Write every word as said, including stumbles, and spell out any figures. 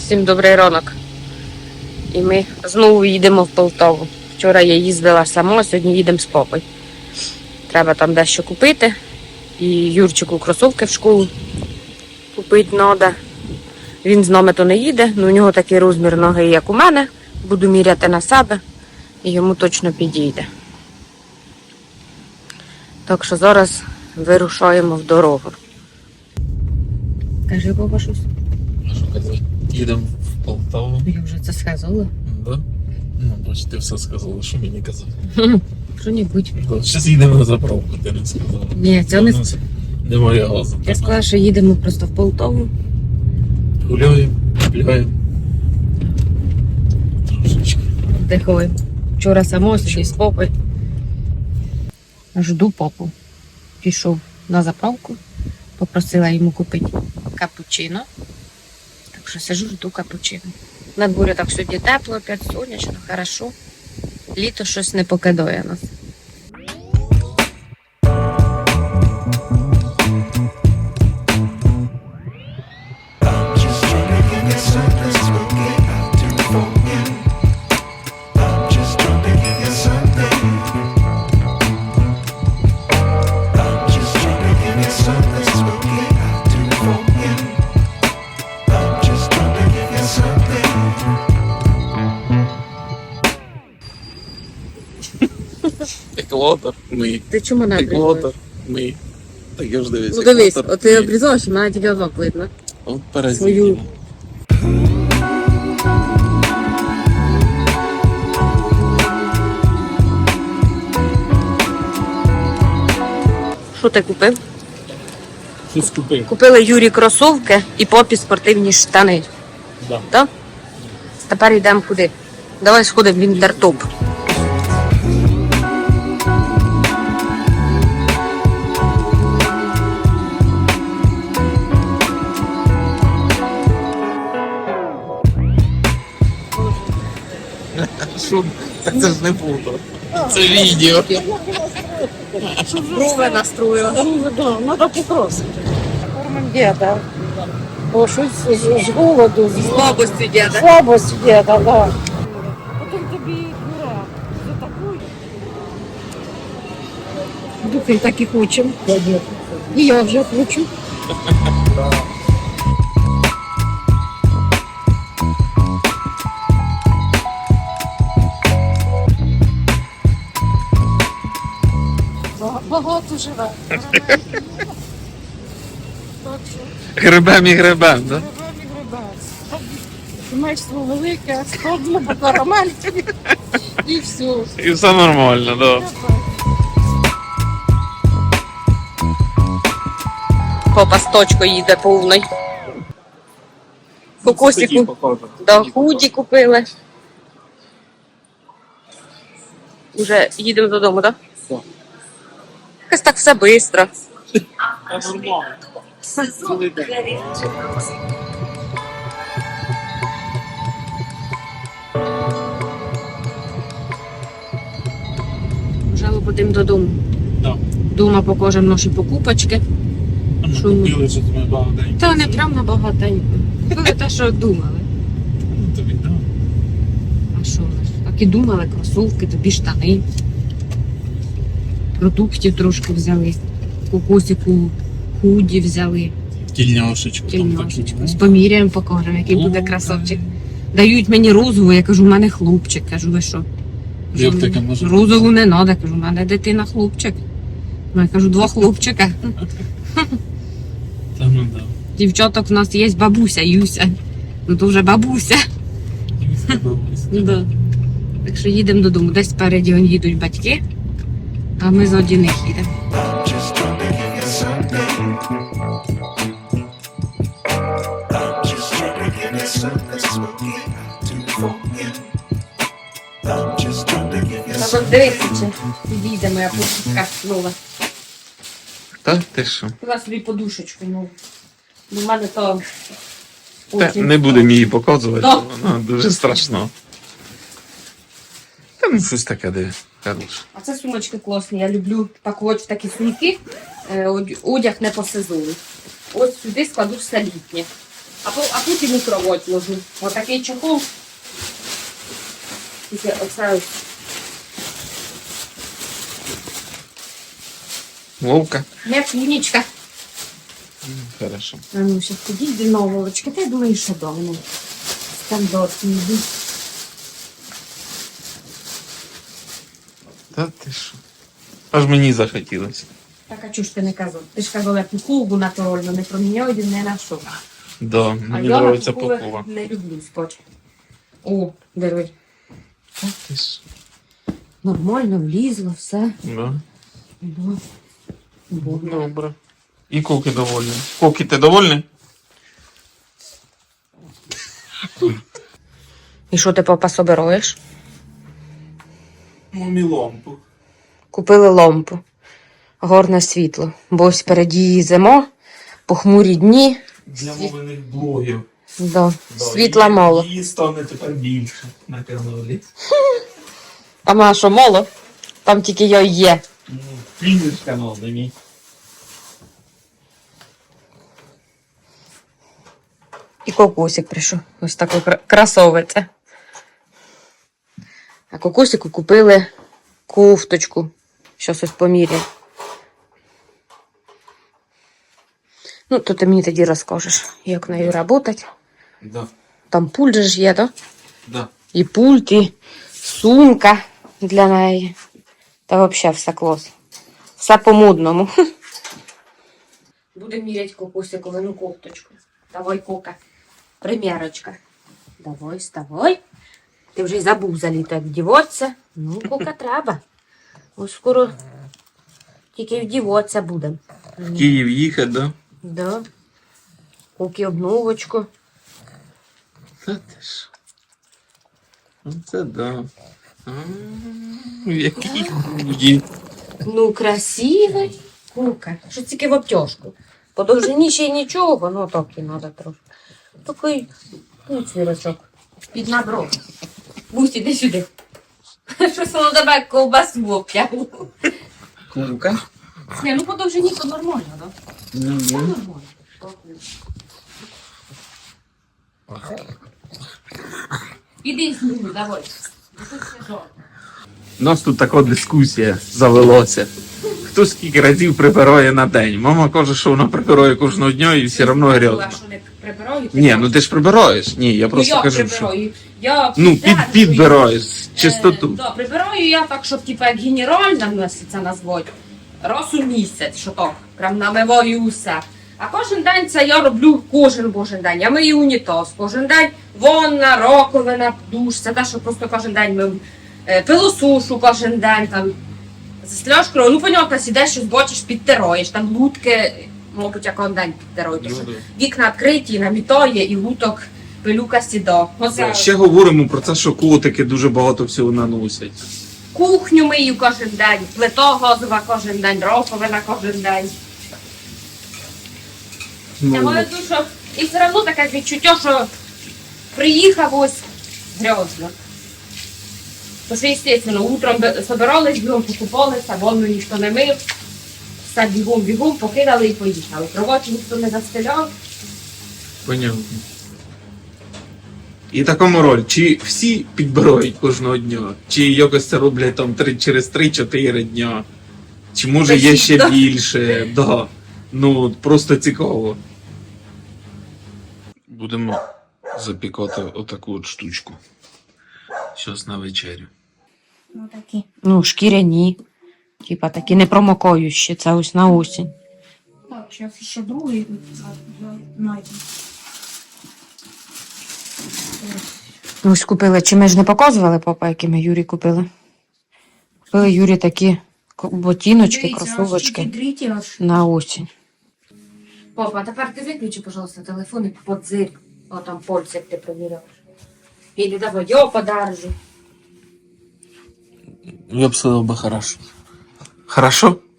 Всім добрий ранок. І ми знову їдемо в Полтаву. Вчора я їздила сама, сьогодні їдемо з папою. Треба там дещо купити. І Юрчику кросовки в школу купити треба. Він з нами то не їде, але у нього такий розмір ноги, як у мене. Буду міряти на себе і йому точно підійде. Так що зараз вирушаємо в дорогу. Кажи, Боба, щось. А що казати? Їдемо в Полтаву. Я вже це сказала. Да? Ну, бач, ти все сказала, що мені казати. Що-небудь. Да, зараз їдемо на заправку, ти не сказала. Ні, це не... Немає газу. Я сказала, що їдемо просто в Полтаву. Гуляємо, гуляємо. Трошечки. Вдихаємо. Вчора само, сьогодні з попою. Жду попу. Пішов на заправку. Попросила йому купити капучино. Так що сижу, жду капучино. На дворі так сьогодні тепло, опять сонячно, хорошо. Літо щось не покидає нас. Екватор мий. Ти чому не обрізаєш? Екватор мий. Так я ж дивись. Ну дивись, екватор от ти мий. обрізаєш, і мене тільки озок видно. От паразит. Свою. Що ти купив? Щось купив. Купили Юрі кросовки і попі спортивні штани. Да. Так? Тепер йдемо куди? Давай сходимо в Інтертоп. Що? Так це ж не фото. Це відео. Брови настроїла. Да, надо попросити. Кормим діда. Бо щось з, з голоду, з Слабості діда. слабості діда, да. Потім тобі дура за таку. Духи так і хочемо. І я вже хочу. Багато живе. Гребем і гребем, так? Сімейство велике, складно, карамельки і все. І все нормально, так. Попа з точкою їде повний. Кокосику. Да, худі купили. Уже їдемо додому, так? Так. Якось так все швидко. Вже будемо додому. Так. Дома покажемо наші покупочки. Ми Що ми? купили, що ми багатенько. Та не прям на багатенько. Купили те, що думали. Ну, тобі, да. А що ж? Так і думали, кросовки, тобі штани. Продуктів трошки взяли. Кокосику худі взяли. Тільняшечку. там Тільняшечку. таку. З поміряємо покажемо, який буде О, красавчик. Дають мені розову, я кажу, у мене хлопчик. Кажу, ви що? Як таке може бути? Розову не треба, кажу, у мене дитина хлопчик. Ну, я кажу, два хлопчика. Та ну да. Дівчаток у нас є бабуся, Юся. Ну то вже бабуся. Юська бабуська. Да. Так що їдемо додому. Десь спереді он їдуть батьки, а ми ззаді них їдемо. Just trying to give you something. I'm just trying to give you something smoky to forget. I'm just trying to give you Треба дивитися, чи підійде моя подушка нова. Та ти що? Куди собі подушечку нову. До мене то... Та, потім. не будемо її показувати, Да. вона дуже страшно. Та ну щось таке диви. Хороше. А це сумочки класні. Я люблю пакувати в такі сумки. Е, одяг не по сезону. Ось сюди складу все літнє. А, по- а тут і мікроводь ложу. Отакий чохол. Тільки оце ось. Вовка. М'якінечка. Хорошо. А ну, зараз ходіть до новолочки. Та я думаю, що давно. Стандартні йдуть. Та ти що? Аж мені захотілося. Так, а чого ж ти не казав? Ти ж казав, я пухову натуральну не проміняв, не на що. Да, А мені я подобається пухових пухова. не люблю скотч. О, диви. Та ти що? Нормально влізло, все. Да. Ну, бо- Добре. І Коки довольні. Коки, ти довольний? І що ти, папа, собираєш? Мамі лампу. Купили лампу. Горне світло. Бо ось впереді зима, похмурі дні. Для мовлених блогів. Да. Да, Світла і- мало. Її стане тепер більше на каналі. А ма що, мало? Там тільки я є. Ну, фініш канал, не мій. І кокосик прийшов. Ось такий кра- красовець. А кокосику купили кофточку. Щось ось поміряємо. Ну, то ти мені тоді розкажеш, як нею працювати. Да, Там пульт же ж є, так? да. І пульт, і сумка для неї. Та взагалі все клас. Все по-модному. Будемо міряти кокосиковину кофточку. Давай, Кока. Примірочка. Давай, вставай. Ти вже й забув заліто, як вдіватися. Ну, Кока, треба. Ось скоро тільки вдіватися будемо. В Київ їхати, да? Да. Коки обновочку. Та ти що? Ну це да. А, Який худі. Ну, красивий. Кука. Що тільки в обтяжку. По довжині ще й нічого, ну так і треба трошки. Такий ну, свірочок. Під набро. Бусь, іди сюди. Щось воно тебе як ковбасу обтягло. Курка? Ні, ну по довжині то нормально, так? Да? Це нормально. Іди сюди, давай. У нас тут така дискусія завелася. Хто скільки разів прибирає на день? Мама каже, що вона прибирає кожного дня і все одно Я грязно. що не прибираю? Ні, ну ти ж прибираєш. Ні, я просто ну, я кажу, що... прибираю. Я Ну, під, піддержую. підбираєш Е, чистоту. да, прибираю я так, щоб типу, як генеральна місяця назвати. Раз у місяць, що так, прям намиваю усе. А кожен день це я роблю кожен божий день. Я мию унітаз, кожен день ванна, раковина, душ. Це те, що просто кожен день ми е, пилосушу кожен день, там, застеляєш кров. Ну, понятно, сідеш, щось бачиш, підтираєш, там лутки, мабуть, я кожен день підтираю. тому що вікна відкриті, намітає і луток, пилюка сіда. Оце Ще говоримо про те, що котики дуже багато всього наносять. кухню мию кожен день, плита газова кожен день, раковина кожен день. Я Ну, маю душу, і все одно таке відчуття, що приїхав ось грязно. Тому що, звісно, утром би- собирались, бігом покупалися, ванну ніхто не мив. Все бігом-бігом покидали і поїхали. Кроваті ніхто не застеляв. понятно. І такому роль, чи всі підбирають кожного дня, чи якось це роблять там три, через три-чотири дня, чи може є ще Да. більше, да. Ну, просто цікаво. Будемо запікати отаку от штучку. Щось на вечерю. Ну такі. Ну, шкіряні. Типа такі непромокаючі, це ось на осінь. Так, зараз ще другий знайду. Ось купили, чи ми ж не показували, папа, які ми Юрі купили? Купили Юрі такі ко- ботиночки, кросовочки Дріті аж. на осінь. Папа, тепер ти виключи, пожалуйста, телефон і подзир. О, там польці, як ти провіряєш. Іди давай, я подержу. Я б сказав би хорошо. Хорошо?